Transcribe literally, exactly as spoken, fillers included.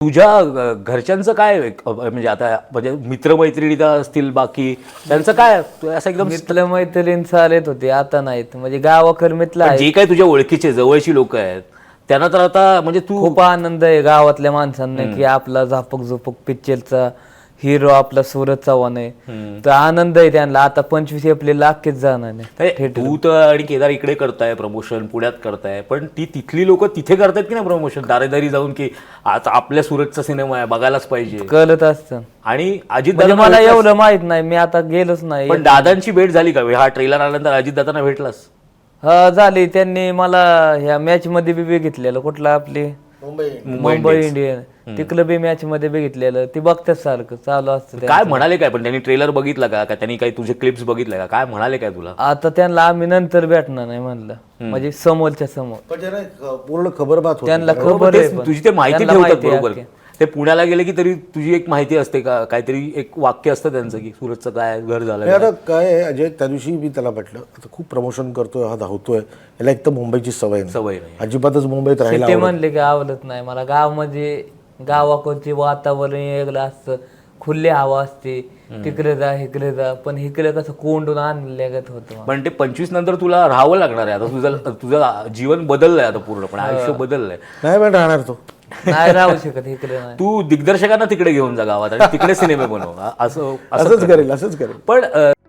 तुझ्या अ, घरच्यांचं काय अ, म्हणजे आता म्हणजे मित्रमैत्रिणी तर असतील बाकी त्यांचं काय तू असं एकदम मित्र मैत्रीण चालत होते, आता नाहीत. म्हणजे गावाकर्मीतलं आहे. जे काही तुझ्या ओळखीचे जवळची लोक आहेत त्यांना तर आता म्हणजे तू खूप आनंद आहे गावातल्या माणसांना की आपला झापक झुपक पिक्चरचा हिरो आपला सूरज चव्हाण आहे. तर आनंद आहे त्यांना. आता पंचवीस एप्रिल अख्खेच जाणार अरे, नाही. तू तर आणि केदार इकडे करताय प्रमोशन पुण्यात करताय पण ती तिथली लोक तिथे करतायत की नाही प्रमोशन दारेदारी जाऊन की आता आपल्या सुरतचा सिनेमा आहे बघायलाच पाहिजे. कळत असतं. आणि अजित म्हणजे दादा मला एवढं माहित नाही, मी आता गेलोच नाही. पण दादांची भेट झाली का हा ट्रेलर आल्यानंतर अजित दादांना भेटलास? हा झाली. त्यांनी मला ह्या मॅच मध्ये बी बघितलेलं. कुठला आपली मुंबई इंडियन तिकडं बी मॅच मध्ये बघितलेलं. ती बघतात सारखं चालू असतं त्यांचं. काय म्हणाले काय पण त्यांनी ट्रेलर बघितला का का त्यांनी काही तुझे क्लिप्स बघितल्या का काय म्हणाले काय तुला? आता त्यांना आम्ही नंतर भेटणार नाही म्हणलं. म्हणजे समोरच्या समोर पण ज्यांना ख- पूर्ण खबरबात होती. त्यांना बरोबर, खबर आहे तेच पण. तुझी ते माहिती त्यांना ठेवतात माहिती आहे बरोबर. अख्खी. ते पुण्याला गेले की तरी तुझी एक माहिती असते का काहीतरी एक वाक्य असतं त्यांचं की सुरतचं काय घर झालं नाही, आता काय आहे अजय, त्या दिवशी मी त्याला म्हटलं आता खूप प्रमोशन करतोय हा धावतोय, याला एक तर मुंबईची सवय नाही, सवय नाही. अजिबातच मुंबईत राहायला ते आवडत म्हणले की आवडत नाही मला. गाव म्हणजे गावाकडचे वातावरण वेगळं असतं, खुल्ली हवा असते. तिकडे जा इकडे जा, पण इकडे कसं कोंडून आणल्यागत होतं. पण ते पंचवीस नंतर तुला राहावं लागणार आहे आता. तुझं तुझं जीवन बदललंय आता पूर्णपणे आयुष्य बदललंय. नाही पण राहणार तो. नाही राहू शकत इकडे नाही. तू दिग्दर्शकांना तिकडे घेऊन जा गावात आणि तिकडे सिनेमे बनव असं असंच करेल असंच करेल पण अ,